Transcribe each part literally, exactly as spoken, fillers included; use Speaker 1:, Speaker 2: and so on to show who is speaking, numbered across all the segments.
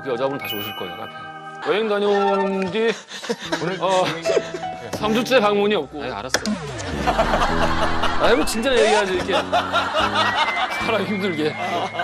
Speaker 1: 그 여자분 다시 오실 거예요, 카페. 여행 다녀온 뒤 오늘 어, 삼 주째 방문이 없고. 아, 알았어. 아, 뭐 진짜 얘기하지 이렇게 사람 힘들게.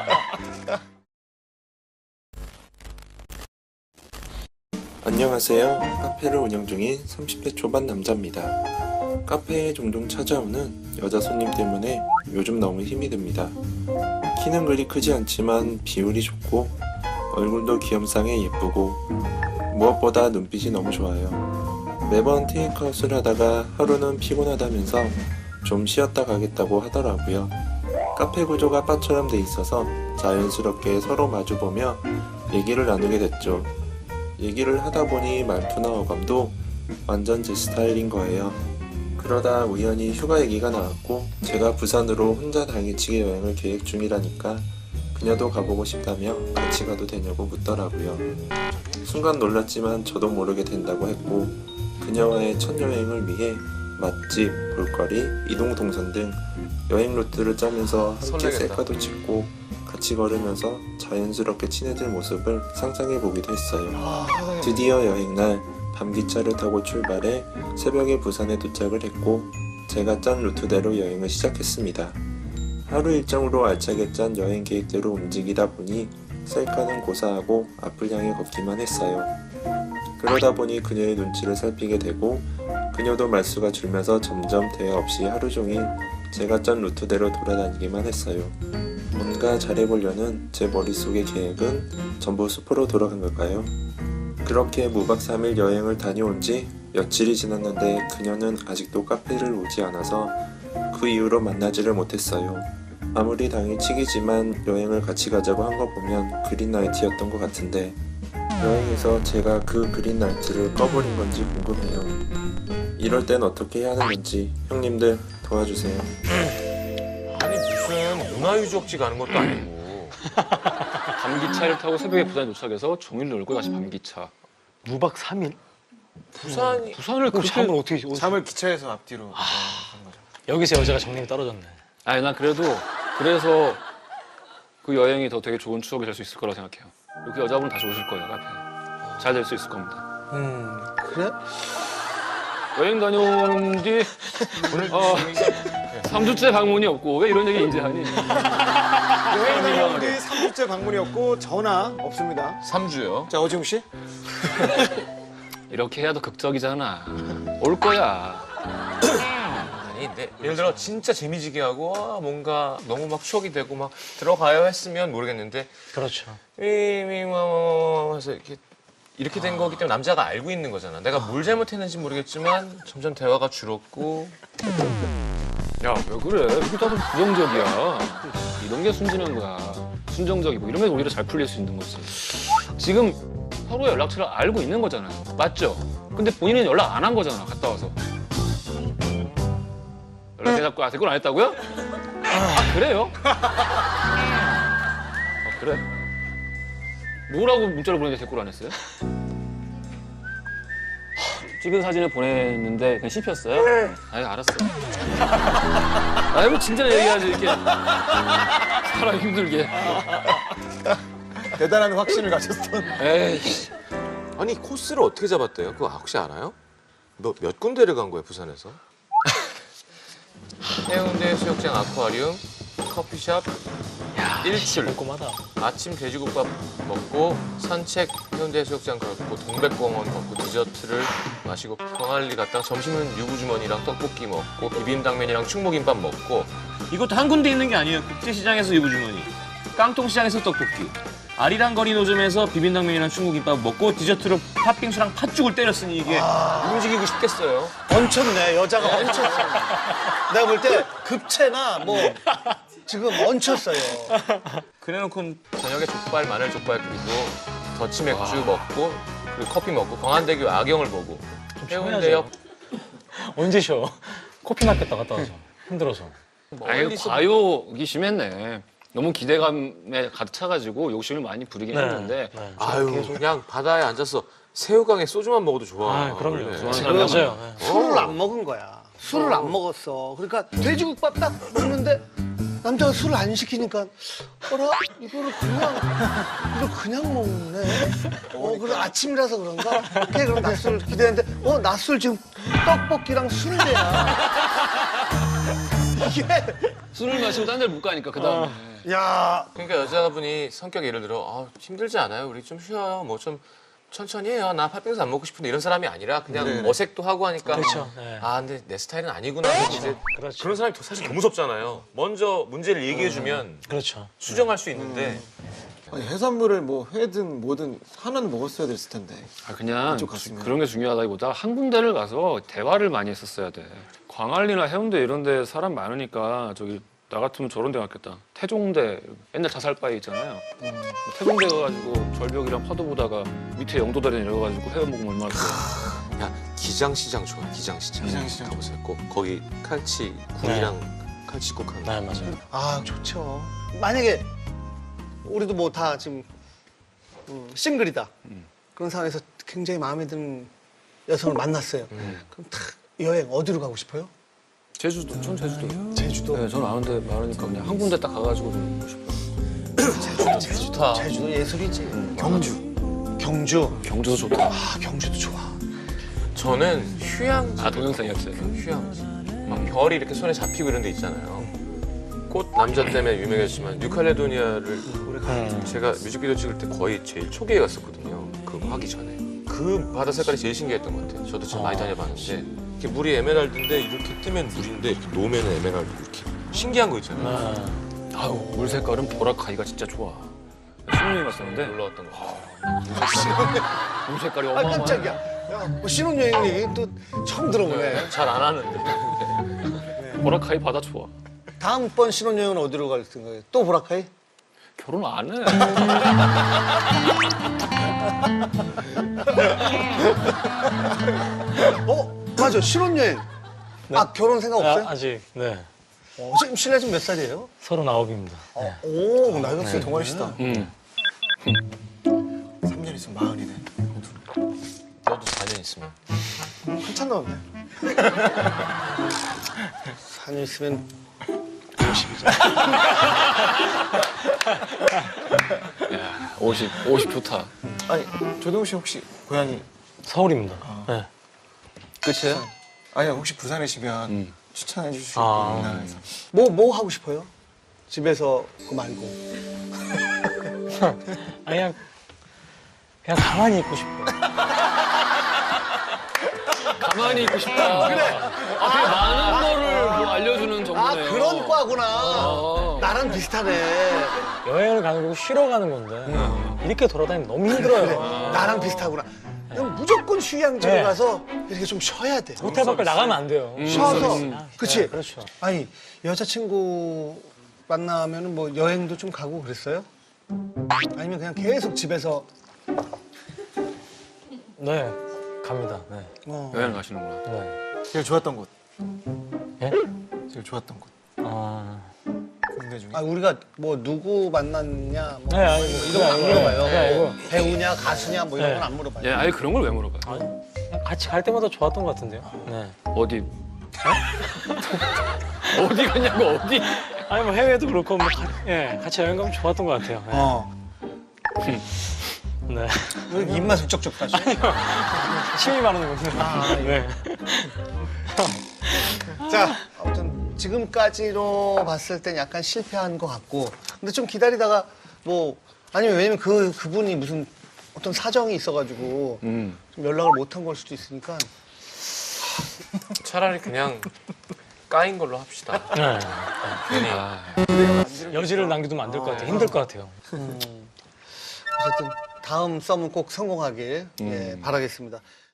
Speaker 2: 안녕하세요. 카페를 운영 중인 삼십 대 초반 남자입니다. 카페에 종종 찾아오는 여자 손님 때문에 요즘 너무 힘이 듭니다. 키는 그리 크지 않지만 비율이 좋고 얼굴도 귀염상에 예쁘고 무엇보다 눈빛이 너무 좋아요. 매번 테이크아웃을 하다가 하루는 피곤하다면서 좀 쉬었다 가겠다고 하더라고요. 카페 구조가 바처럼 돼 있어서 자연스럽게 서로 마주보며 얘기를 나누게 됐죠. 얘기를 하다 보니 말투나 어감도 완전 제 스타일인 거예요. 그러다 우연히 휴가 얘기가 나왔고 제가 부산으로 혼자 당일치기 여행을 계획 중이라니까 그녀도 가보고 싶다며 같이 가도 되냐고 묻더라고요. 순간 놀랐지만 저도 모르게 된다고 했고 그녀와의 첫 여행을 위해 맛집, 볼거리, 이동 동선 등 여행 루트를 짜면서 함께
Speaker 3: 설레겠다.
Speaker 2: 셀카도 찍고 같이 걸으면서 자연스럽게 친해질 모습을 상상해보기도 했어요. 드디어 여행날 밤기차를 타고 출발해 새벽에 부산에 도착을 했고 제가 짠 루트대로 여행을 시작했습니다. 하루 일정으로 알차게 짠 여행 계획대로 움직이다 보니 셀카는 고사하고 앞을 향해 걷기만 했어요. 그러다 보니 그녀의 눈치를 살피게 되고 그녀도 말수가 줄면서 점점 대화 없이 하루 종일 제가 짠 루트대로 돌아다니기만 했어요. 뭔가 잘해보려는 제 머릿속의 계획은 전부 수포로 돌아간 걸까요? 그렇게 무박 삼 일 여행을 다녀온 지 며칠이 지났는데 그녀는 아직도 카페를 오지 않아서 그 이후로 만나지를 못했어요. 아무리 당일치기지만 여행을 같이 가자고 한 거 보면 그린라이트였던 것 같은데 여행에서 제가 그 그린라이트를 꺼버린 건지 궁금해요. 이럴 땐 어떻게 해야 하는 건지 형님들 도와주세요.
Speaker 3: 아니 무슨 문화유적지 가는 것도 아니고
Speaker 1: 밤기차를 타고 새벽에 부산에 도착해서 종일 놀고 다시 밤기차.
Speaker 4: 무박 삼 일?
Speaker 3: 부산이
Speaker 1: 부산을
Speaker 4: 그럼
Speaker 1: 그렇게...
Speaker 4: 잠을 어떻게 어디-
Speaker 5: 잠을 기차에서 앞뒤로 한 거죠.
Speaker 4: 여기서 여자가 정님이 떨어졌네.
Speaker 1: 아니 난 그래도 그래서 그 여행이 더 되게 좋은 추억이 될 수 있을 거라고 생각해요. 그 여자분 다시 오실 거예요, 카페. 잘 될 수 있을 겁니다.
Speaker 5: 음 그래?
Speaker 1: 여행 다녀온 뒤 오늘 어, 삼 주째 방문이 없고 왜 이런 얘기 이제 하니?
Speaker 5: 여행 다녀온 뒤 삼 주째 방문이었고 전화 없습니다.
Speaker 3: 삼 주요.
Speaker 5: 자 어지웅 씨.
Speaker 1: 이렇게 해야 더 극적이잖아. 올 거야.
Speaker 3: 아니 근데 예를 들어 진짜 재미지게 하고 와, 뭔가 너무 막 추억이 되고 막 들어가요 했으면 모르겠는데
Speaker 4: 그렇죠.
Speaker 3: 미미뭐 해서 이렇게 이렇게 된 거기 때문에 남자가 알고 있는 거잖아. 내가 뭘 잘못했는지 모르겠지만 점점 대화가 줄었고.
Speaker 1: 야, 왜 그래? 이게 다 부정적이야. 이런 게 순진한 거야. 순정적이고 이러면 오히려 잘 풀릴 수 있는 거지. 지금 서로의 연락처를 알고 있는 거잖아요. 맞죠? 근데 본인은 연락 안 한 거잖아, 갔다 와서. 연락해 잡고 아, 댓글 안 했다고요? 아, 그래요? 아, 그래? 뭐라고 문자를 보냈는데 댓글 안 했어요? 찍은 사진을 보냈는데 그냥 씹혔어요? 아이, 알았어. 아이, 뭐 진짜 얘기하지 이렇게 사람 힘들게.
Speaker 5: 대단한 확신을 가졌던.
Speaker 1: 에이씨.
Speaker 3: 아니 코스를 어떻게 잡았대요? 그거 혹시 알아요? 몇, 몇 군데를 간 거예요 부산에서? 해운대 수욕장 아쿠아리움, 커피숍, 일출,
Speaker 4: 꼼꼼하다.
Speaker 3: 아침 돼지국밥 먹고 산책 해운대 해수욕장 걷고 동백공원 걷고 디저트를 마시고 광안리 갔다가 점심은 유부주머니랑 떡볶이 먹고 비빔당면이랑 충무김밥 먹고
Speaker 6: 이것도 한 군데 있는 게 아니에요. 국제시장에서 유부주머니, 깡통시장에서 떡볶이, 아리랑거리 노점에서 비빔당면이랑 충무김밥 먹고 디저트로 팥빙수랑 팥죽을 때렸으니 이게
Speaker 3: 움직이고 싶겠어요.
Speaker 5: 얹혔네 여자가 얹혔어. 내가 볼 때 급체나 뭐 지금 얹혔어요.
Speaker 3: 그래놓고는 저녁에 족발, 마늘 족발 그리고 더치 맥주 먹고 그리고 커피 먹고 광안대교 야경을 보고 해운대역
Speaker 4: 언제 쉬어? 코피 났겠다 갔다 와서. 힘들어서.
Speaker 1: 아유,
Speaker 3: 멀리서
Speaker 1: 과욕이 심했네. 너무 기대감에 가득 차가지고 욕심을 많이 부리긴
Speaker 4: 네.
Speaker 1: 했는데
Speaker 4: 네.
Speaker 3: 아유 그냥 바다에 앉아서 새우깡에 소주만 먹어도 좋아.
Speaker 4: 아, 그럼요.
Speaker 3: 원래.
Speaker 1: 좋아하는
Speaker 4: 지금
Speaker 1: 사람은
Speaker 4: 맞아요. 네.
Speaker 5: 술을 안 먹은 거야. 술을 안 먹었어. 그러니까 돼지국밥 딱 먹는데 남자가 술을 안 시키니까 어라 이거를 그냥 이걸 그냥 먹네. 어 그래 아침이라서 그런가? 오케이 그럼 낮술 기대했는데 어 낮술 지금 떡볶이랑 순대야. 이게
Speaker 1: 술을 마시고 딴 데를 못 가니까 그 다음에.
Speaker 5: 야
Speaker 3: 그러니까 여자분이 성격 예를 들어 아, 힘들지 않아요? 우리 좀 쉬어요. 뭐 좀 천천히 해요. 나 팥빙수 안 먹고 싶은데 이런 사람이 아니라 그냥 어색도 하고 하니까
Speaker 4: 그렇죠. 네.
Speaker 3: 아 근데 내 스타일은 아니구나. 이제
Speaker 4: 그렇죠.
Speaker 3: 그런 사람이 더- 사실 더 무섭잖아요. 먼저 문제를 얘기해주면
Speaker 4: 그렇죠.
Speaker 3: 수정할 수 있는데
Speaker 7: 아니, 해산물을 뭐 회든 뭐든 하나는 먹었어야 됐을 텐데.
Speaker 1: 아, 그냥
Speaker 7: 그쪽 갔으면.
Speaker 1: 그런 게 중요하다기보다 한 군데를 가서 대화를 많이 했었어야 돼. 광안리나 해운대 이런 데 사람 많으니까 저기 나 같으면 저런 데 갔겠다. 태종대 옛날 자살바위 있잖아요. 태종대 가가지고 절벽이랑 파도 보다가 밑에 영도다리 내려가지고 회원 먹으면 얼마나 좋아.
Speaker 3: 야 기장시장 좋아. 기장시장.
Speaker 7: 기장시장
Speaker 3: 가보세요. 꼭 거기 칼치 굴이랑 칼치국 하는.
Speaker 4: 네, 맞아요.
Speaker 5: 아 좋죠. 만약에 우리도 뭐 다 지금 음, 싱글이다. 그런 상황에서 굉장히 마음에 드는 여성을 만났어요. 그럼 탁 여행 어디로 가고 싶어요?
Speaker 1: 제주도, 전 제주도.
Speaker 5: 제주도.
Speaker 1: 네, 전 아는 데 많으니까 그냥 한 군데 딱 가가지고 좀 먹고 싶어.
Speaker 5: 제주도,
Speaker 3: 좋다.
Speaker 5: 제주도 예술이지.
Speaker 7: 경주.
Speaker 5: 경주.
Speaker 1: 경주도 좋다.
Speaker 5: 아 경주도 좋아.
Speaker 3: 저는 휴양.
Speaker 1: 아, 동영상이었어요.
Speaker 3: 휴양. 막 별이 이렇게 손에 잡히고 이런 데 있잖아요. 꽃 남자 때문에 유명했지만 뉴칼레도니아를 제가 뮤직비디오 찍을 때 거의 제일 초기에 갔었거든요. 그거 하기 전에. 그 바다 색깔이 제일 신기했던 것 같아요. 저도 참 많이 다녀봤는데 이렇게 물이 에메랄드인데 이렇게 뜨면 물인데 이렇게 놓으면 에메랄드 이렇게 신기한 거 있잖아요.
Speaker 4: 네.
Speaker 1: 아우, 물 색깔은 보라카이가 진짜 좋아. 신혼여행 갔었는데
Speaker 3: 놀라웠던 거 같아요.
Speaker 1: 물 색깔이
Speaker 5: 아
Speaker 1: 어마어마해.
Speaker 5: 깜짝이야. 야, 뭐 신혼여행 얘기 또 처음 들어보네.
Speaker 3: 잘 안 하는데.
Speaker 1: 보라카이 바다 좋아.
Speaker 5: 다음번 신혼여행은 어디로 갈 생각이에요? 또 보라카이?
Speaker 1: 결혼 안 해.
Speaker 5: 어 맞아 신혼여행. 아 결혼 생각 없어요?
Speaker 4: 아, 아직, 네.
Speaker 5: 어, 지금 실례 좀 몇 살이에요?
Speaker 4: 서른아홉입니다. 네.
Speaker 5: 오 나이가 네.
Speaker 7: 동안이시다.
Speaker 1: 응.
Speaker 7: 삼 년 있으면 마흔이네.
Speaker 3: 너도 사 년 있으면.
Speaker 5: 한참 남았네. 사 년 있으면
Speaker 1: 야, 오십, 오십 좋다.
Speaker 7: 아니, 조동욱 씨 혹시 고향이
Speaker 4: 서울입니다. 네.
Speaker 1: 끝이야?
Speaker 7: 아니 혹시 부산이시면
Speaker 1: 음.
Speaker 7: 추천해 주실 수
Speaker 4: 아.
Speaker 7: 있나 해서.
Speaker 5: 뭐 뭐 하고 싶어요? 집에서 그거 말고.
Speaker 4: 아, 그냥, 그냥 가만히 있고 싶어요.
Speaker 1: 가만히 있고 싶다. 그래. 아, 되게 많은 거를 뭐 알려주는
Speaker 5: 아
Speaker 1: 정보네요.
Speaker 5: 그런 과구나.
Speaker 1: 어.
Speaker 5: 나랑 비슷하네.
Speaker 4: 여행을 가는 거고 쉬러 가는 건데 이렇게 돌아다니면 너무 힘들어요.
Speaker 5: 나랑 비슷하구나. 그럼 무조건 휴양지로
Speaker 4: 네.
Speaker 5: 가서 이렇게 좀 쉬어야 돼.
Speaker 4: 호텔 밖을 나가면 안 돼요.
Speaker 5: 쉬어서.
Speaker 4: 음.
Speaker 5: 그치?
Speaker 4: 네, 그렇죠.
Speaker 5: 아니 여자친구 만나면은 뭐 여행도 좀 가고 그랬어요? 아니면 그냥 계속 집에서
Speaker 4: 네, 갑니다. 네.
Speaker 5: 어.
Speaker 1: 여행 가시는구나.
Speaker 4: 네.
Speaker 7: 제일 좋았던 곳.
Speaker 4: 예?
Speaker 7: 제일 좋았던 곳.
Speaker 4: 아,
Speaker 7: 국내 중에.
Speaker 5: 아 우리가 뭐 누구 만났냐 뭐
Speaker 4: 네, 아니, 뭐,
Speaker 5: 이런 거 안 물어봐요.
Speaker 4: 네, 아니고.
Speaker 5: 뭐 배우냐 가수냐 뭐 이런
Speaker 4: 네.
Speaker 5: 건 안 물어봐요.
Speaker 1: 예, 아예 그런 걸 왜 물어봐요?
Speaker 4: 아니, 그냥 같이 갈 때마다 좋았던 것 같은데요. 네.
Speaker 1: 어디? 어디 갔냐고, 어디?
Speaker 4: 아니, 뭐 해외도 그렇고, 뭐, 가, 예, 같이 여행 가면 좋았던 것 같아요. 네.
Speaker 5: 어.
Speaker 4: 네.
Speaker 5: 왜 이렇게 입맛을 쪽쪽 다시?
Speaker 4: 침이 마르는군요.
Speaker 5: 아,
Speaker 4: 네.
Speaker 5: 자, 아무튼 지금까지로 봤을 땐 약간 실패한 것 같고, 근데 좀 기다리다가 뭐 아니면 왜냐면 그 그분이 무슨 어떤 사정이 있어가지고
Speaker 1: 음.
Speaker 5: 좀 연락을 못한 걸 수도 있으니까.
Speaker 3: 차라리 그냥 까인 걸로 합시다.
Speaker 4: 네.
Speaker 3: 괜히.
Speaker 1: 아,
Speaker 4: 여지를 남겨두면 안 될 것 같아요. 힘들 것 같아요.
Speaker 5: 어쨌든 다음 썸은 꼭 성공하길 예, 바라겠습니다.